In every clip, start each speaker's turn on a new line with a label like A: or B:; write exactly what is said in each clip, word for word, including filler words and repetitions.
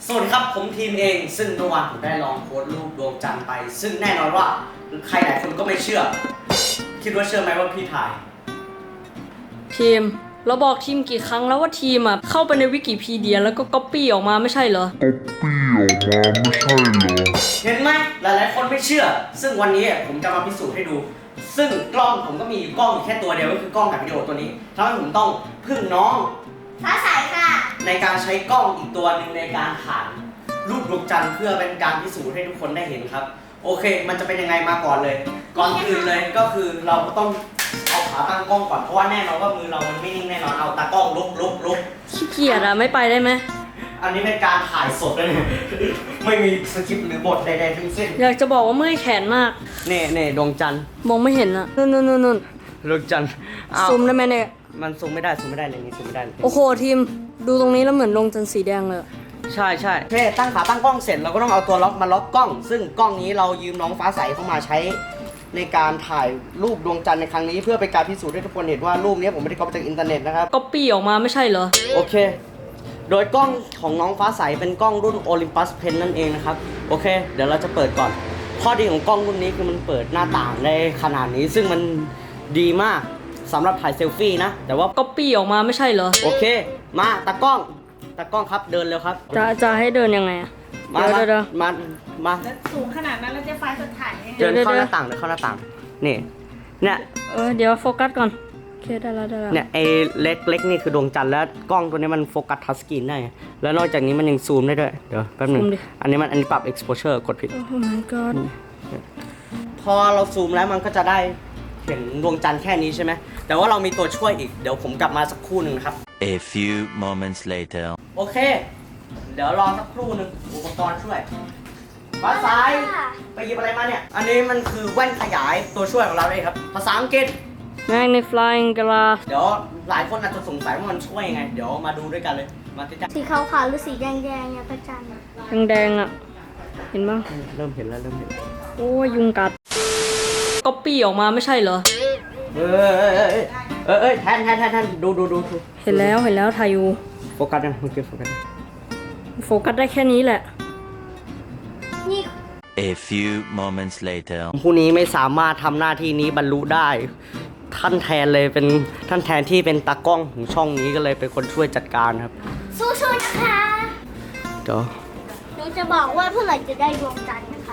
A: สวัสดีครับผมทีมเองซึ่งเมื่อวานผมได้ลองโพสต์รูปดวงจันทร์ไปซึ่งแน่นอนว่าใครหลายคนก็ไม่เชื่อคิดว่าเชื่อไหมว่าพี่ถ่าย
B: ทีมเราบอกทีมกี่ครั้งแล้วว่าทีมอ่ะเข้าไปในวิกิพีเดียแล้วก็ก๊อปปี้ออกมาไม่ใช่เหรอ
C: ก๊อปปี้ออกมาไม่ใช่เหรอ
A: เห็นไหมหลายๆคนไม่เชื่อซึ่งวันนี้ผมจะมาพิสูจน์ให้ดูซึ่งกล้องผมก็มีกล้องแค่ตัวเดียวก็คือกล้องถ่ายวิดีโอตัวนี้ทำให้ผมต้องพึ่งน้อง
D: ฟ้าใสค่ะ
A: ในการใช้กล้องอีกตัวหนึ่งในการถ่ายรูปดวงจันทร์เพื่อเป็นการพิสูจน์ให้ทุกคนได้เห็นครับโอเคมันจะเป็นยังไงมาก่อนเลยก่อนอื่นเลยก็คือเราก็ต้องเอาขาตั้งกล้องก่อนเพราะว่าแน่นอนว่ามือเรามันไม่นิ่งแน่นอนเอาตากล้องลุกลุกลุก
B: ขี้เกียจอะไม่ไปได้ไหม
A: อันนี้เป็นการถ่ายสดเลยไม่มีสคริปต์หรือบทใดๆทั้งสิ้น
B: อยากจะบอกว่าเมื่อยแขนมาก
A: เน่เน่ดวงจันทร์
B: มองไม่เห็นอะนู่นนู่นนู่น
A: ดวงจันทร์
B: ซูมได้ไหมเนี่ย
A: มันซูมไม่ได้ซูมไม่ได้เลยนี่ซูมไม่ได้
B: โอ้โหทีมดูตรงนี้แล้วเหมือนดวงจันทร์สีแดงเลย
A: ใช่ใช่โอเคตั้งขาตั้งกล้องเสร็จเราก็ต้องเอาตัวล็อกมาล็อกกล้อง ซึ่งกล้องนี้เรายืมน้องฟ้าใสเข้ามาใช้ในการถ่ายรูปดวงจันทร์ในครั้งนี้เพื่อเป็นการพิสูจน์ให้ทุกคนเห็นว่ารูปนี้ผมไม่ได้ก๊อปจากอินเทอร์เน็ตนะครับ
B: ก๊อปปี้ออกมาไม่ใช่เหรอ
A: โอเคโดยกล้องของน้องฟ้าใสเป็นกล้องรุ่น Olympus Pen นั่นเองนะครับโอเคเดี๋ยวเราจะเปิดก่อนข้อดีของกล้องรุ่นนี้คือมันเปิดหน้าต่างได้ขนาดนี้ซึ่งมันดีมากสำหรับถ่ายเซลฟี่นะแต่ว่า
B: ก๊อปปี้ออกมาไม่ใช่เหรอ
A: โอเคมาตากล้องตากล้องครับเดินเร็วครับ
B: จะจะให้เดินยังไง
A: มาเดินมามา
D: สูงขนาดนั้นแล้วจะไฟสดถ่าย
A: เดินเข้าหน้าต่างเดินเข้าหน้าต่างนี่เนี่ย
B: เออเดี๋ยวโฟกัสก่อนโอเคได้แล้วได้แล้ว
A: เนี่ยไอ้เล็กเล็กนี่คือดวงจันทร์แล้วกล้องตัวนี้มันโฟกัสทัชสกรีนได้แล้วนอกจากนี้มันยังซูมได้ด้วยเดี๋ยวแป๊บนึงอันนี้มันอันนี้ปรับ exposure กดผิด
B: โอ้ my god
A: พอเราซูมแล้วมันก็จะได้เห็นดวงจันทร์แค่นี้ใช่ไหมแต่ว่าเรามีตัวช่วยอีกเดี๋ยวผมกลับมาสักครู่หนึ่งครับ
E: A few moments later
A: โอเคเดี๋ยวรอสักครู่หนึ่งอุปกรณ์ช่วยฟ้าใสไปหยิบอะไรมาเนี่ยอันนี้มันคือแว่นขยายตัวช่วยของเราเองครับภาษาอังกฤษ
B: Magnifying glass
A: เดี๋ยวหลายคนอาจจะสงสัยว่ามันช่วยยังไงเดี๋ยวมาดูด้วยกันเลยมาติดตาม
D: สีขาวๆหรือสีแดงๆเนี่ยพระจันทร์
B: แดงๆอ่ะเห็นบ้าง
A: เริ่มเห็นแล้วเริ่มเห็น
B: โอ้ยยุงกัดก๊อปปี้ออกมาไม่ใช่เหรอ
A: เออเออเออเออแทนแทนแทนแทนดูดูดู
B: เห็นแล้วเห็นแล้วถ่ายอยู่
A: โฟกัสยังเมื่อกี้โฟกัส
B: โฟกัสได้แค่นี้แหละ
D: นี่
E: A few moments later
A: ผู้นี้ไม่สามารถทำหน้าที่นี้บรรลุได้ท่านแทนเลยเป็นท่านแทนที่เป็นตากล้องของช่องนี้ก็เลยเป็นคนช่วยจัดการครับ
D: สู้ๆนะคะ
A: เดี๋ยว
D: หนูจะบอกว่าเมื่อไหร่จะได้ดวงจันทร์นะคะ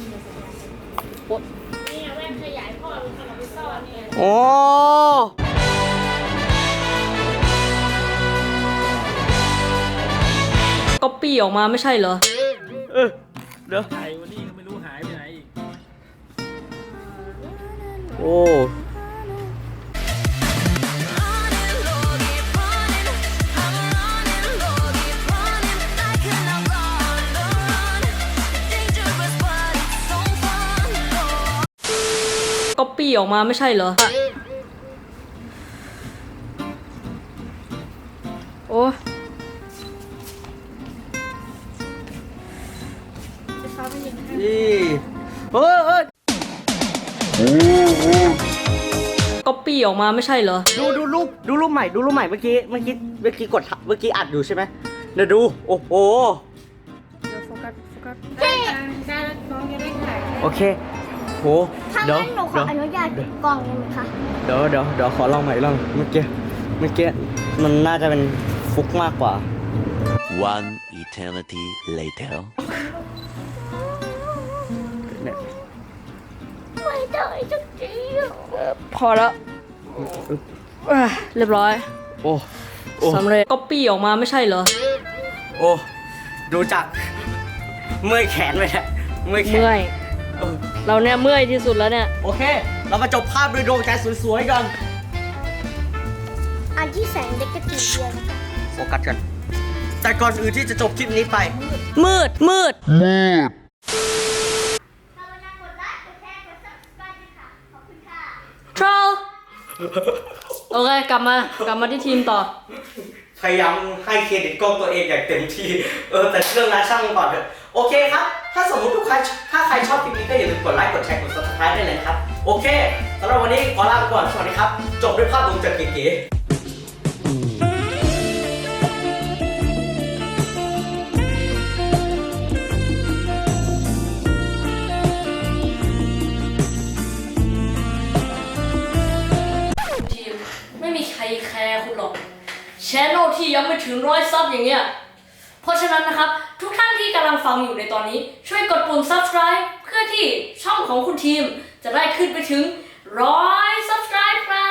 D: นี่แว่นขยายพ่อเป็นคนเอาไปซ่อนเนี่ย
A: โอ้
B: ก๊อปปี้ออกมาไม่ใช่เหรอ
A: เออเดี๋ยว
F: ไอ้วันนี้ก็ไม่รู้หายไปไหนอีก
A: โอ้
B: ก๊อปปี้ออกมาไม่ใช่เหรอโอ้
A: นี่เฮ้ยเฮ้ย
B: ก๊อปปี้ออกมาไม่ใช่เหรอ
A: ดูดูรูปดูรูปใหม่ดูรูปใหม่เมื่อกี้เมื่อกี้เมื่อกี้กดเมื่อกี้อัดอยู่ใช่ไหมเดี๋ยวดูโอ้โห
B: โฟกัสโฟกัส
D: ได้ได้น้องจะได้ถ่าย
A: โอเคโห
D: เดี๋ยวหนูขออนุญาตปิดกล้องได้ไหมคะ
A: เดี๋ยวเดี๋ยวเดี๋ยวขอลองใหม่ลองเมื่อกี้เมื่อกี้มันน่าจะเป็นฟุกมากกว่า
E: One eternity later
D: ไม่ได้จริง
B: พอแล้วเรียบร้อย
A: โอ้
B: สำเร็จก๊อปปี้ออกมาไม่ใช่เหรอ
A: โอ้ดูจากเมื่อยแขนไปแล้วเมื่อยแขน
B: เมื่อยเราเนี่ยเมื่อยที่สุดแล้วเนี่ย
A: โอเคเรามาจบภาพด้วยดวงจันทร์สวยๆกัน
D: อันที่แสงเด็กกระติกเดียว
A: โฟกัสกันแต่ก่อนอื่นที่จะจบคลิปนี้ไป
B: มืดมืด
C: มืด
B: ทรอลโอเคกลับมากลับมาที่ทีมต่อ
A: พยายามให้เครดิตกล้องตัวเองอย่างเต็มที่เออแต่เรื่องนั้นช่างมันก่อนเถอะโอเคครับถ้าสมมติทุกใครถ้าใครชอบคลิปนี้ก็อย่าลืมกดไลค์กดแชร์กด ซับสไครบ์ ได้เลยครับโอเคสำหรับวันนี้ขอลาไปก่อนสวัสดีครับจบด้วยภาพดวงจันทร์เก๋ๆ
B: channel ที่ยังไม่ถึงร้อยซับอย่างเงี้ยเพราะฉะนั้นนะครับทุกท่านที่กำลังฟังอยู่ในตอนนี้ช่วยกดปุ่ม subscribe เพื่อที่ช่องของคุณทีมจะได้ขึ้นไปถึงร้อย subscribe ครับ